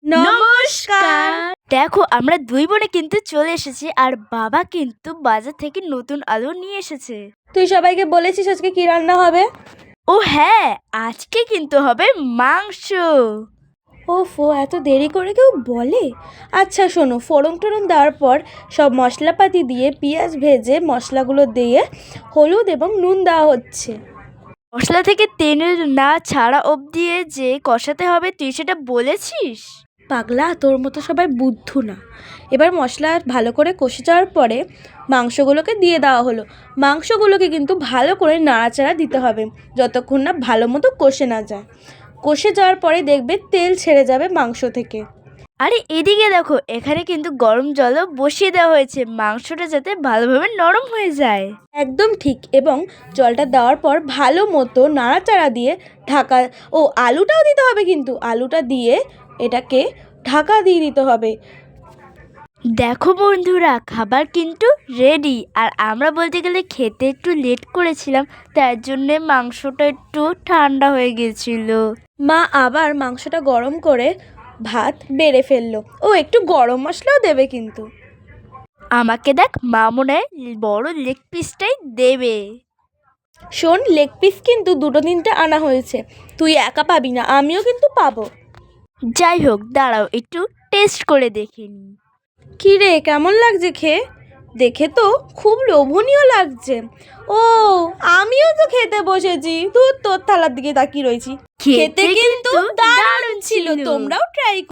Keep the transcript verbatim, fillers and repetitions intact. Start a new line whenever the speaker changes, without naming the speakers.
নমস্কার। দেখো আমরা দুই বোনে কিন্তু চলে এসেছি আর বাবা কিন্তু বাজার থেকে নতুন আলু নিয়ে এসেছে।
তুই সবাইকে বলেছিস আজকে কি রান্না হবে?
ও হ্যাঁ, আজকে কিন্তু হবে মাংস।
ওফো, এত দেরি করে কেউ বলে? আচ্ছা শোনো, ফোড়ন টোড়ন দেওয়ার পর সব মশলাপাতি দিয়ে পেঁয়াজ ভেজে মশলাগুলো দিয়ে হলুদ এবং নুন দেওয়া হচ্ছে।
মশলা থেকে তেল না ছাড়া অবধি যে কষাতে হবে, তুই সেটা বলেছিস?
পাগলা, তোর মতো সবাই বুদ্ধু না। এবার মশলা ভালো করে কষে যাওয়ার পরে মাংসগুলোকে দিয়ে দেওয়া হলো। মাংসগুলোকে কিন্তু ভালো করে নাড়াচাড়া দিতে হবে যতক্ষণ না ভালো মতো কষে না যায়। কষে যাওয়ার পরে দেখবে তেল ছেড়ে যাবে মাংস থেকে।
আরে এদিকে দেখো, এখানে কিন্তু গরম জলও বসিয়ে দেওয়া হয়েছে মাংসটা যাতে ভালোভাবে নরম হয়ে যায়।
একদম ঠিক। এবং জলটা দেওয়ার পর ভালো মতো নাড়াচাড়া দিয়ে ঢাকা, ও আলুটাও দিতে হবে কিন্তু, আলুটা দিয়ে এটাকে ঢাকা দিয়ে দিতে হবে।
দেখো বন্ধুরা, খাবার কিন্তু রেডি। আর আমরা বলতে গেলে খেতে একটু লেট করেছিলাম, তার জন্যে মাংসটা একটু ঠান্ডা হয়ে গেছিল।
মা আবার মাংসটা গরম করে ভাত বেড়ে ফেললো। ও একটু গরম মশলাও দেবে কিন্তু।
আমাকে দেখ, মা মনে হয় বড় লেগ পিসটাই দেবে।
শোন, লেগ পিস কিন্তু দুটো তিনটে আনা হয়েছে, তুই একা পাবি না, আমিও কিন্তু পাবো।
যাই হোক, দাঁড়াও একটু টেস্ট করে দেখে নিই।
কী রে, কেমন লাগছে খেয়ে? দেখে তো খুব লোভনীয় লাগছে। ও, আমিও তো খেতে বসেছি, তুই তোর থালার দিকে তাকিয়ে রয়েছি। খেতে কিন্তু দারুণ ছিল, তোমরাও ট্রাই